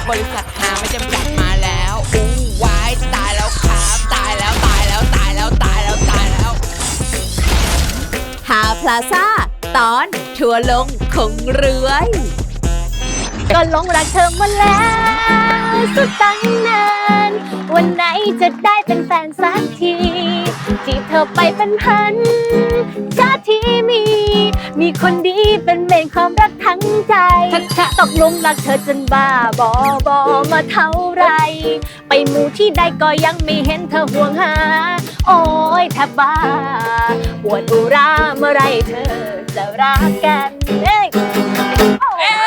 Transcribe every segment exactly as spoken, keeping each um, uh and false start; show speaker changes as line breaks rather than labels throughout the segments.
บริษัทหาไม่จำกัดมาแล้วอู้วายตายแล้วครับตายแล้วตายแล้วตายแล้วตายแล้วตายแล้ว
หาพลาซ่าตอนทัวร์ลงคงรวยก็หลงรักเธอมาแล้วสุดตั้งนานวันไหนจะได้เป็นแฟนสักทีจีบเธอไปเป็นพันชาติที่มีมีคนดีเป็นเมนความรักทั้งใจตกหลุมรักเธอจนบ้าบอบอมาเท่าไรไปหมู่ที่ใดก็ยังไม่เห็นเธอห่วงหาโอ้ยแทบบ้าปวดอุราเมื่อไรเธอจะรักกันเอ้ย
เอ๊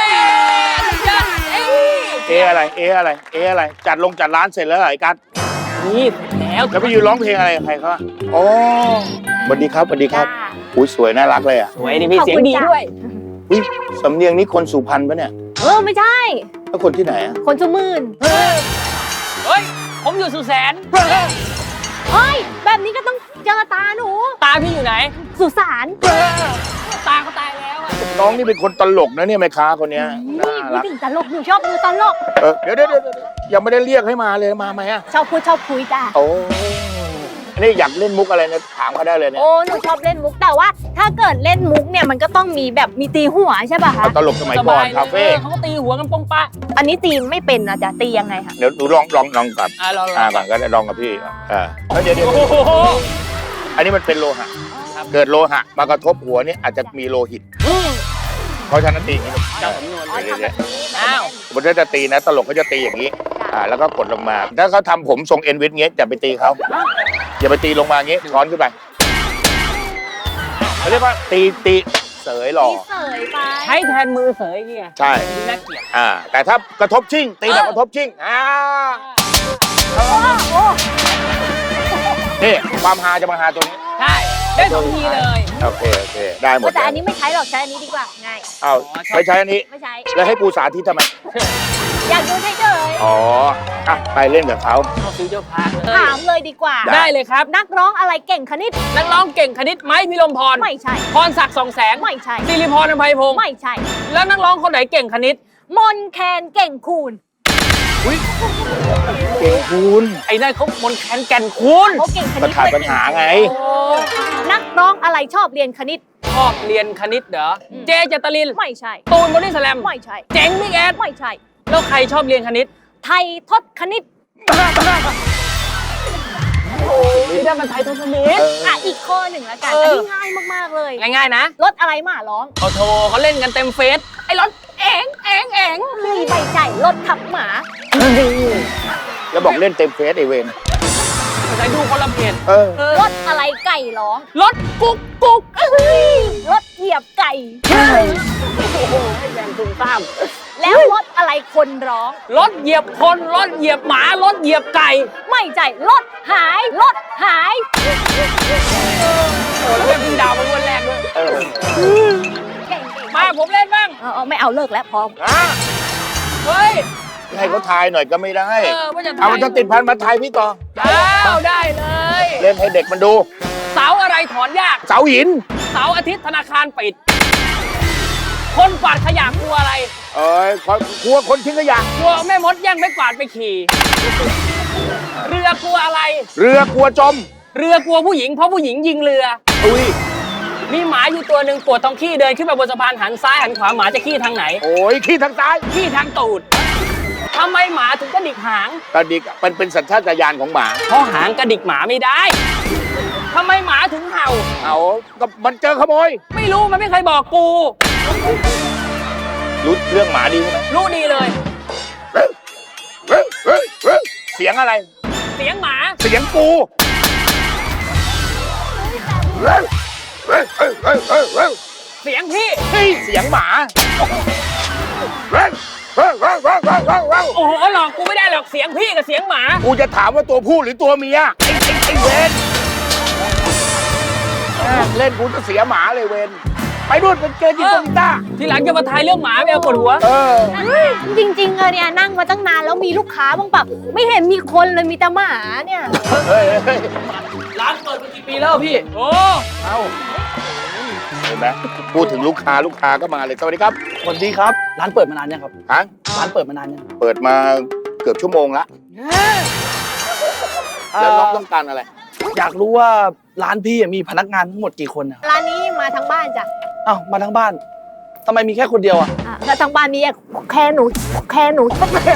เออะไรเออะไรเออะไรจัดลงจัดร้านเสร็จแล้วเหรอไอ้กัส
นี่แล้ว
แล้วไปยืนร้องเพลงอะไรกับใครเขาอ๋อสวัสดีครับสวัสดีครับอุ้ยสวยน่ารักเลยอ่ะ
สวยดีพี่เสียงดีด้วย
อุ้ยสำเนียงนี้คนสุพรรณปะเนี่ย
เออไม่ใช่
แล้วคนที่ไหนอ่ะ
คนสุมื่น
เฮ้ยผมอยู่สุแสน
เฮ้ยแบบนี้ก็ต้องเจอตาหนู
ตาพี่อยู่ไหน
สุสาน
ตาเขาตายแล้วอ่ะ
น้องนี่เป็นคนตลกนะเนี่ยแม่ค้าคนเนี้ยน่ารัก
ถึงตลกหนูชอบดูตลก
เออเดี๋ยวเดี๋ยวยังไม่ได้เรียกให้มาเลยมาไหมอ่ะ
ชอบพูดชอบคุยจ้ะ
โอ้อันนี้อยากเล่นมุกอะไรเนี่ยถามเขาได้เลยเนี่ย
โอ้หนูชอบเล่นมุกแต่ว่าถ้าเกิดเล่นมุกเนี่ยมันก็ต้องมีแบบมีตีหัวใช่ป่ะคะ
ตลกสมัยก่อนคาเฟ่
เขาก็ตีหัวกันปงปะ
อันนี้ตีไม่เป็นนะจ๊ะตียังไงคะ
เดี๋ยวหนูลองลองลองกับ
อ่าลอง
อ่าก่อนก็ได้ลองกับพี่อ่าเดี๋ยวเดี๋ยวอันนี้มันเป็นโลหะเกิดโลหะมากระทบหัวนี่อาจจะมีโลหิตเพราะฉะนั้นตีอย่างนี้
อ้าว
บนถ้าจะตีนะตลกเขาจะตีอย่างนี้อ่าแล้วก็กดลงมาถ้าเขาทำผมทรงเอ็นวิทเงี้ยอย่าไปตีเขาอย่าไปตีลงมางี้ช้อนขึ้นไปเขาเรียกว่าตีตีเสยหล่อ
เสยไป
ใช้แทนมือเสยเงี้ย
ใช่
น่าเกลียด
อ่าแต่ถ้ากระทบชิ่งตีแบบกระทบชิ่งอ่านี่ความฮาจะมาฮาตัวนี้
ใช่ได้สองทีเลย
โอเคโอเคได้หมด
แต่อันนี้ไม่ใช้หรอกใช้อันนี้ดีกว่าง่าย
อ้าวไม่ใช้อันนี้
ไม่ใช้
แล้วให้ปูสาธิตทำไม
อยากดูเฉย
ๆอ๋ออ่ะไปเล่นกับเขา
เขาซื้อเจ้าพาเลย
ถามเลยดีกว่า
ได้เลยครับ
นักร้องอะไรเก่งคณิต
นักร้องเก่งคณิตไหมพี่ลมพร
ไม่ใช่
พรศักดิ์สองแสง
ไม่ใช่
สิริพรอภัยพงศ์
ไม่ใช่
แล้วนักร้องคนไหนเก่งคณิต
มนแคนเก่งคูณ
อุ้ยเก่งคูณ
ไอ้นั่นเขามนแคนแก่นคูณ
เขาเก่งคณิต
ขาดปัญหาไง
นักร้องอะไรชอบเรียนคณิต
ชอบเรียนคณิตเหรอเจเจตลิน
ไม่ใช่
ตูนบอดี้สแลม
ไม่ใช่
เจ๋งบิ๊กแอด
ไม่ใช่
แล้วใครชอบเรียนคณิต
ไทยทศคณิต
โอ้ยได้มันไทยทศคณิต
อ่ะอีกข้อหนึ่งแล้วกันอันนี้ง่ายมากๆเลย
ง่ายๆนะ
รถอะไรมาร้อง
โอ้โหเขาเล่นกันเต็มเฟซไอ้รถเอ๋งเอ๋งเอ๋ง
มีใบใจรถขับหมา
แล้วบอกเล่นเต็มเฟซไอเวน
ใส่ดูคนละเพจ
รถอะไรไก่ร้อง
รถกุ๊กกุ๊ก
รถเหยียบไก่
โอ้โหให้แรงตุ้มตาม
แล้วรถอะไรคนร้อง
รถเหยียบคนรถเหยียบหมารถเหยียบไก่
ไม่ใช่รถหายรถหาย
โอ้แล้วเป็นพิงดาวมาวันแรกด้วยมาผมเล่นบ้าง
เออไม่เอาเลิกแล้วพอ
เฮ้ย
ให้เขาทายหน่อยก็ไม่ได้
เออว่าจะ
เอามันจะติดพันมาทายพี่ต่อ
อ้าวได้เลย
เล่นให้เด็กมันดู
เสาอะไรถอนยาก
เสาหิน
เสาอาทิตย์ธนาคารปิดคนกวาดขยะกลัวอะไร
เอ้ยกลัวคนทิ้งขยะ
กลัวแม่มดแย่งไม้กวาดไปขี่เรือกลัวอะไร
เรือกลัวจม
เรือกลัวผู้หญิงเพราะผู้หญิงยิงเรือ
อุ้ย
มีหมาอยู่ตัวหนึ่งปวดท้องขี้เดินขึ้นไปบนสะพานหันซ้ายหันขวาหมาจะขี้ทางไหน
โอ้ยขี้ทางซ้าย
ขี้ทางตูดทำไมหมาถึงกระดิกหาง
กระดิกมันเป็นสัญชาตญาณของหมา
เพราะหางกระดิกหมาไม่ได้ทำไมหมาถึงเห่า
เอาก็มันเจอขโมย
ไม่รู้มันไม่เคยบอกกู
รู้เรื่องหมาดีไหม
รู้ดีเลย
เสียงอะไร
เสียงหมา
เสียงกู
เสียงพี่
เสียงหมา
โอ้โหหลอกกูไม่ได้หรอกเสียงพี่กับเสียงหมา
กูจะถามว่าตัวผู้หรือตัวเมียไอ้ไอ้เวนเล่นกูจะเสียหมาเลยเวนไปนู่นไปเจอจิตตต้า
ทีหลังจะมาทายเรื่องหมาไม่เอาปวดหัว
จริงๆเนี่ยนั่งมาตั้งนานแล้วมีลูกค้าบ้างปะไม่เห็นมีคนเลยมีแต่หมาเนี่ย
ร้านเปิดมากี่ปีแล้วพี่โอ้
เอาเห็นไหมพูดถึงลูกค้าลูกค้าก็มาเลยสวัสดีครับ
สวัสดีครับ ร้านเปิดมานานยังครับ
ฮะ
ร้านเปิดมานานยัง
เปิดมาเกือบชั่วโมงละแล้วน้องต้องการอะไร
อยากรู้ว่าร้านพี่มีพนักงานทั้งหมดกี่คนอะ
ร้านนี้มาทั้งบ้านจ้ะ
อ้าวมาทั้งบ้านทำไมมีแค่คนเดียวอะ
อ่ะแล้วทั้งบ้านนี้แค่หนูแค่หนู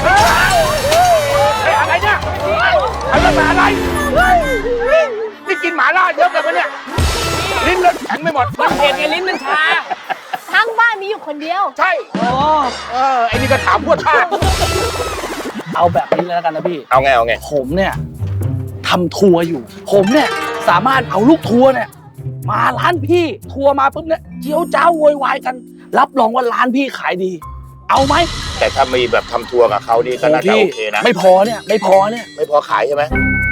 เฮ้ยอะไรเนี่ยอะไรมาอะไรนี่กินหมาล่าเยอะกันปะเนี่ยลิ้นเลือดแข็งไม่หมด
มันเผ็ดไงลิ้นมันชา
ทั้งบ้านมีอยู่คนเดียว
ใช่
อ๋อ
เออไอ้นี่ก็ถามพวดท่า
เอาแบบนี้เลยแล้วกันนะพี่
เอาไงเอาไง
ผมเนี่ยทำทัวร์อยู่ ผมเนี่ยสามารถเอาลูกทัวร์เนี่ยมาร้านพี่ทัวร์มาปุ๊บเนี่ยเจียวจ้าวโวยวายกัน รับรองว่าร้านพี่ขายดี เอาไหม
แต่ถ้ามีแบบทำทัวร์กับเขานี่ก็น่าจะโอเคนะ
ไม่พอเนี่ยไม่พอเนี่ย
ไม่พอขายใช่ไหม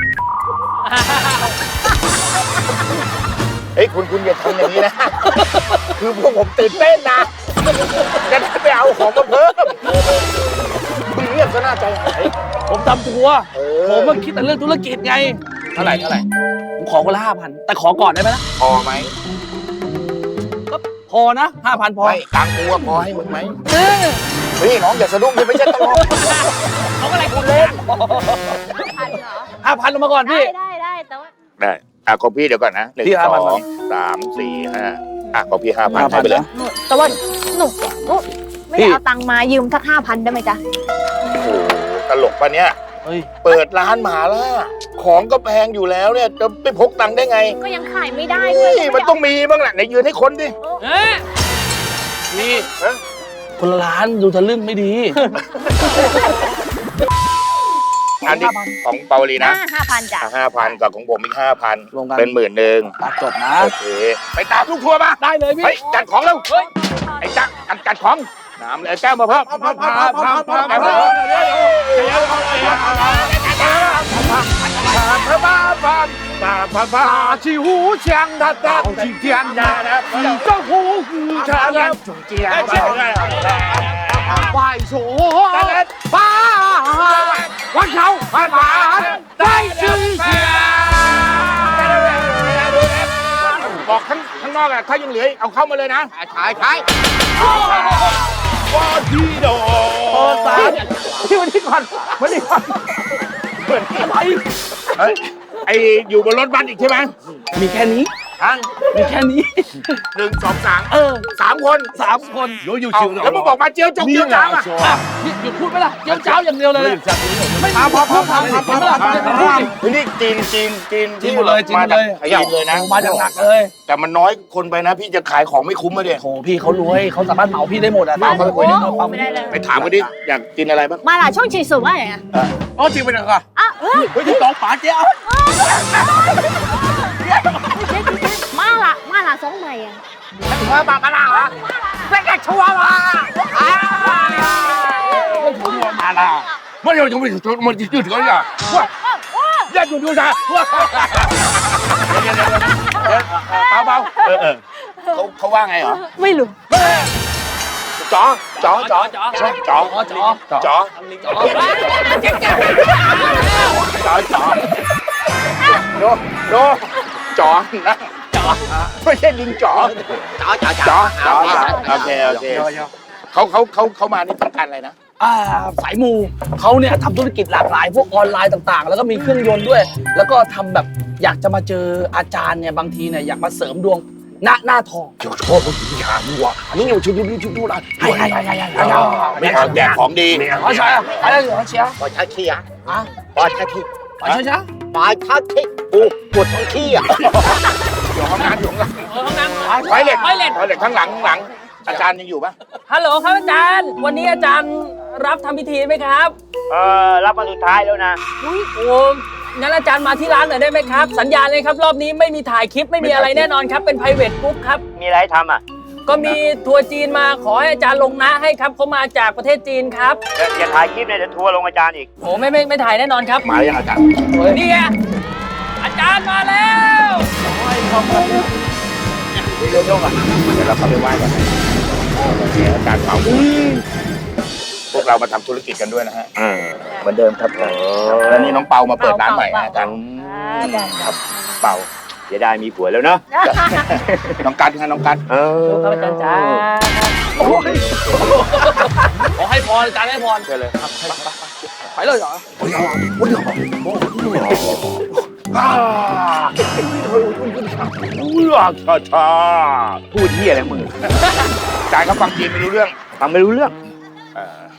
เฮ้ยคุณคุณอย่าทำอย่างนี้นะ คือพวกผมตื่นเต้นนะจะได้ไปเอาของมาเพิ่มคุณเงียบก็น่าใจหาย
ผมทำทัวร์
เออ
ผมมาคิดแต่เรื่องธุรกิจไง
เท่าไหร่เท่าไหร่
ผมขอคนละห้าพันแต่ขอก่อนได้ไหมนะ
พอไหม
ก็พอนะห้าพันพอ
ไม่ตังค์กูว่าพอให้มึงไหม
เออ
เฮ้ยน้องอย่าสะดุ้งดิไม่ใช่ตลก
เขาอะไรคุณเล่น
พันเหรอ
ห้าพันลงมาก่อน
ได้
พี่
ได้ได้แต่ว่า
ได้อ่ะของพี่เดี๋ยวก่อนนะหนึ่ง
พี่
ส
ห้าพัน
องสามสี่ห้าอ่ะของพี่ห้าพันให้ไปเลย
แต่ว่าหนูหนูไม่ได้เอาตังค์มายืมสักห้าพันได้ไหมจ๊ะ
โอ้โหตลกปะเนี่ย
เฮ้ย
เปิดร้านหมาล่าของก็แพงอยู่แล้วเนี่ยจะไปพกตังค์ได้ไง
ก็ยังขายไม่ได้เล
เฮ้
ย
ยมันต้องมีบ้างแหละไหนยืนให้คนดิ
เอ๊ะ
พี่
เอ้ย
คนละร้านดูทะลึ่งไม่ดี
อันนี้ของเปาวลีนะ
ห้าพันจ้ะ
ห้าพันกับของผมอีกห้าพัน
รวมกัน
เป็นหมื่นหนึ่ง
ตัดจบนะ
โอเคไปตามลูกทัวร์มา
ได้เลยพี่
เฮ้ยจัดของแล้วเฮ้ยไอ้จักจัดจัดของน้ำเลยแก้วมาเพิ่มพาพาพาพาพาพาพาที่หูเชียงทัดทัดที่เทียนยานะที่เจ้าหูคือชาลันจงเจียไหวโสฟ้าวันเขาผ่านผ่านได้ชื่อเสียบอกข้างข้างนอกอะถ้ายังเหลือเอาเข้ามาเลยนะขายขายว่าที่โด
โอ้สารพี่วันนี้ก่อนวันนี้ก่อน
เหมือนอะไรเฮ้ยไออยู่บนรถบัสอีกใช่ไหม
มีแค่นี้
ทั้ง
มีแค่นี้
หนึ่งสองสาม
เออ
สามคน
สามคน
เอาแล้วมึงบอกมาเจียวจงเจียวจ้าอ่ะ
อ่ะนี่หยุดพูดไหมล่ะเจ้าเจ้าอย่างเดียวเลยไม่พาพาพาพาพาพาพาพา
นี่จีนจีนจีน
จีนหมดเลยจีนหมดเลย
ขยับเลยนะ
มาจากหนักเลย
แต่มันน้อยคนไปนะ พี่จะขายของไม่คุ้มมาเดีย
โถพี่เขารวยเขาสามารถเหมาพี่ได้หมดอ่ะ
เอาเขาไปคุยดิ
เอาความ
ไม่ได้เลย
ไปถามเขาดิอยากกินอะไรบ้าง
มาล่ะช่วงชิงสุว่าไงอะ
อ๋อจริงไปหน่อยค่ะ
อ่ะเฮ้ย
เฮ้ยที่สองป๋าเจ้า
มาล่ะมาล่ะสองใหม่อะ
มาบามาลาเหรอเป็นกระชัวมาชัวมาลาไม่ยอมจะไม่ถึงมันจะยืดกันอ่ะว่าอย่าหยุดดูนะเบาเบาเออเออเขาเขาว่าไงเหรอ
ไม่รู้
จ๋อจ๋อจ๋อ
จ๋อ
จ๋อจ๋อ
อ๋อจ๋อ
จ๋อ
จ๋อ
จ๋อจ๋อโนโนจ๋อนะจ๋อไม่ใช่ลิงจ๋อจ๋อจ๋อจ๋อจ๋อโอเคโอเคเขาเขาเขาเขามานี่ต้องการอะไรนะ
อ่าสายมูเขาเนี่ยทำธุรกิจหลากหลายพวกออนไลน์ต่างๆ แล้วก็มีเครื่องยนต์ด้วย แล้วก็ทำแบบอยากจะมาเจออาจารย์เนี่ยบางทีเนี่ยอยากมาเสริมดวงหน้าหน้าทอง
เจ้าชอบผู้หญิงหาดีว่ะนี่อยู่ชุดนี้ชุดนู้นอ่ะ
ให้ให้ให้ให้ให้
ไม่เอาแจกของดี
เขาใช่อะไรเหรอเชียร์
ปอชาขี้อ่ะ
อ่ะ
ปอชาขี้
ปล่อยช้า
ปอชาขี้ปูปวดท้องขี้อ่ะอยู่ห้องน้ำอยู่ห้องน้ำ
เออห้องน้ำ
ไฟเล็ต
ไฟเล็ต
ไฟเล็ตข้างหลังข้างหลัง อาจารย์ยังอยู่ปะ
ฮัลโหลครับอาจารย์ วันนี้อาจารย์รับทำพิธีไหมครับ
เออรับมาสุดท้ายแล้วนะ
อุ้ยโอ้งั้นอาจารย์มาที่ร้านหน่อยได้ไหมครับ สัญญาเลยครับ รอบนี้ไม่มีถ่ายคลิปไม่มีอะไรแน่นอนครับ เป็น private group ครับ
มีอะไรให้ทำอ่ะ
ก็มีทัวร์จีนมาขอให้อาจารย์ลงนะให้ครับเขามาจากประเทศจีนครับ
อย่าอย่าถ่ายคลิปเนี่ยเดี๋ยวทัวร์ลงอาจารย์อีก
โอ้ไม่ไม่ไม่ถ่ายแน่นอนครับ
มายังอาจารย์
นี่ไงอาจารย์มาแล้ว
เดี๋ยวเราเข้าไปไหว้กันโอเคอาจารย์เผาพวกเรามาทำธุรกิจกันด้วยนะฮะเหมือนเดิมครับแล้วนี่น้องเปามาเปิดร้านใหม่นะอาจารย์ครับเปา
จะได้มีผัวแล้วเนาะ
น้องกันค่ะน้องกัน
เออ
ครับอาจารย์จ้า
ขอให้พรอาจารย์ให้พร
เชิญเลยครับ
ไปเลยเหรอ
อ่าเอื้อชาชา
พูดที่อะไรมึง
จานเขาฟังจีนไม่รู้เรื่อง
ฟังไม่รู้เรื่อง
เออ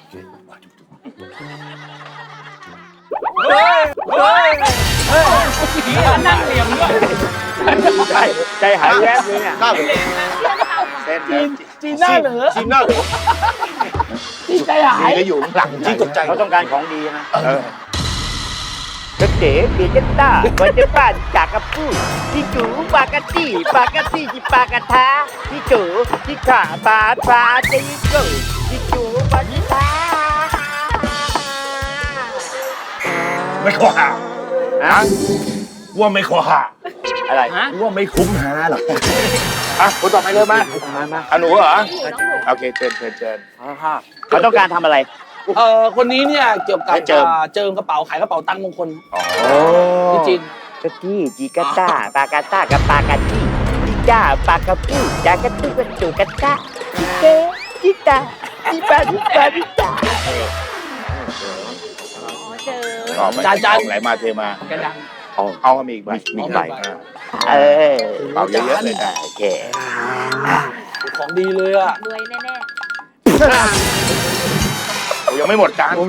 เฮ้ยเฮ้ย
นั่งเหลี่ยมด้วย
ใจใจหายแวบเลยเนี่ย
หน้าเหลือเส้นแล้ว
จีนหน้าเหนือ
จีนหน้าเหลือ
จีนใจหาย
จีนก็อยู่ข้างหลังจีนตกใจ
เขาต้องการของดีนะ
เออ
กระเต๋เปียกต้าวันเจ้าป้าจากกระปูที่จูปากะตี้ปากะตี้ที่ปากะทาที่จูที่ขาบาปาที่จูที่จูปาที่ทา
ไม่ขอหา
อะ
ว่าไม่ขอหา
อะไร
ว่าไม่คุ้มหาหรอกอ่ะคนต่อไปเลยมา
มามา
อ่ะหนูเหรอโอเคเชิญเชิญเชิญ
เขาต้องการทำอะไร
เอ่อคนนี้เนี่ยเกี่ยวกับ
ให้เจิม
อ่าเจิมกระเป๋าขายกระเป๋าตังค์มงคล
อ๋อ
ที่จีน
กะตี้จีกะต้าปากะต้ากับปากะตี้จีจ้าปากะปูจากะตุ้กะจูกะต้าจีเตจีตาจีปาจีปาจีตา
อ๋อไม่
จานจาน
ไหลมาเทมา
กระดัง
เอาเอามีอีกใบมีอีกใบ
เออ
เป่าเยอะๆเลยนะ
โอเค
ของดีเลยอ่ะ
รวยแน่
โอ้ยังไม่หมดจาน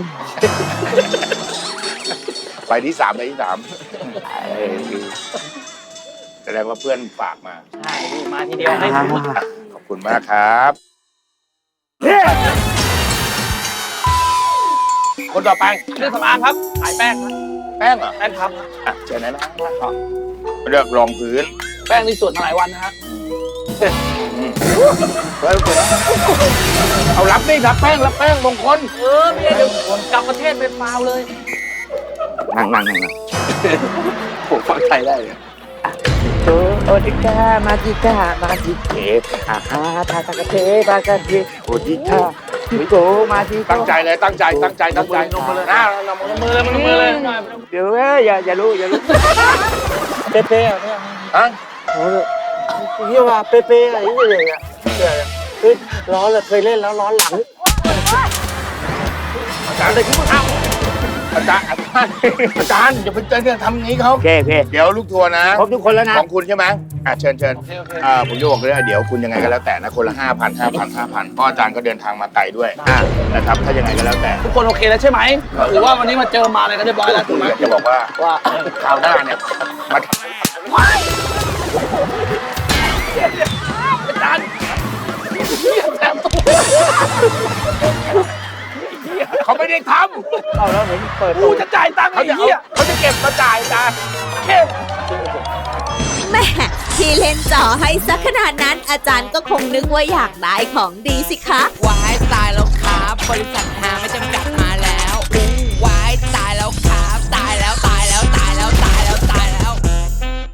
ใบที่สามใบที่สามแสดงว่าเพื่อนฝากมา
ใช่มาทีเดียวให้หมด
ขอบคุณมากครับ คนต่อไป
เครื่องสำอางครับขายแป้งครับ
แป้งเหรอ
แป้งครับ
อ่ะเชิญนะนะเลือกรองพื้น
แป้งนี่ส่วนมาหลายวันนะฮะ
เฮ้ยเอารับนี่รับแป้งรับแป้งมงคล
เออเมียเดี๋ยวกลับประเทศไปฟาวเลย
นั่งนั่งนั่งนั่ง
ผมฟังไทยได้เลย
โตโอติกามาจิกามาจิเกอาฮาทาตะกะเทบากะเทโอติกามิโกมาจิ
ตั้งใจเลยตั้งใจตั้งใจตั้งใจนมมือเลยนะนมมือเลยนมมือเลย
เดี๋ยวเอ้ยอย่าอย่ารู้อย่ารู้
เป๊ะๆเนี่ย
ฮะ
เรียกว่าเป๊ะๆอะไรอย่างเงี้ยคือร้อนเลยเคยเล่นแล้วร้อนหลัง
อาจารย์เลยคุณผู้ชมอาจารย์อาจารย์อาจารย์อย่าไปเจอเนี่ยทำอย่างนี้เขา
โอเคโอเค
เดี๋ยวลูกทัวร์นะ
ครบทุกคนแล้วนะ
ของคุณใช่ไหมอ่ะเชิญเชิญอ่าผมจะบอกเลยว่าเดี๋ยวคุณยังไงก็แล้วแต่นะคนละห้าพันห้าพันห้าพันเพราะอาจารย์ก็เดินทางมาไกลด้วยอ่านะครับถ้ายังไงก็แล้วแต่
ทุกคนโอเคแล้วใช่ไหมหรือว่าวันนี้มาเจอมาอะไรกันเรียบร้อยแล้วถูกไหม
อยากจะบอกว่า
ว่า
คราวหน้าเนี่ยมา
อาจารย์แถมตัว
เขาไม่ได้ท
เอาแล้วเห็นเปิด
กูจะจ่ายตังค์
ำเขา
ไอ้
จะเอา
เหี้ย
เขาจะเก็บมาจ่ายอาจารย์
เข้ม
ๆแม่ที่เล่นจ่อให้สักขนาดนั้นอาจารย์ก็คงนึกว่าอยากได้ของดีสิคะ
วายตายแล้วครับบริษัทหาไม่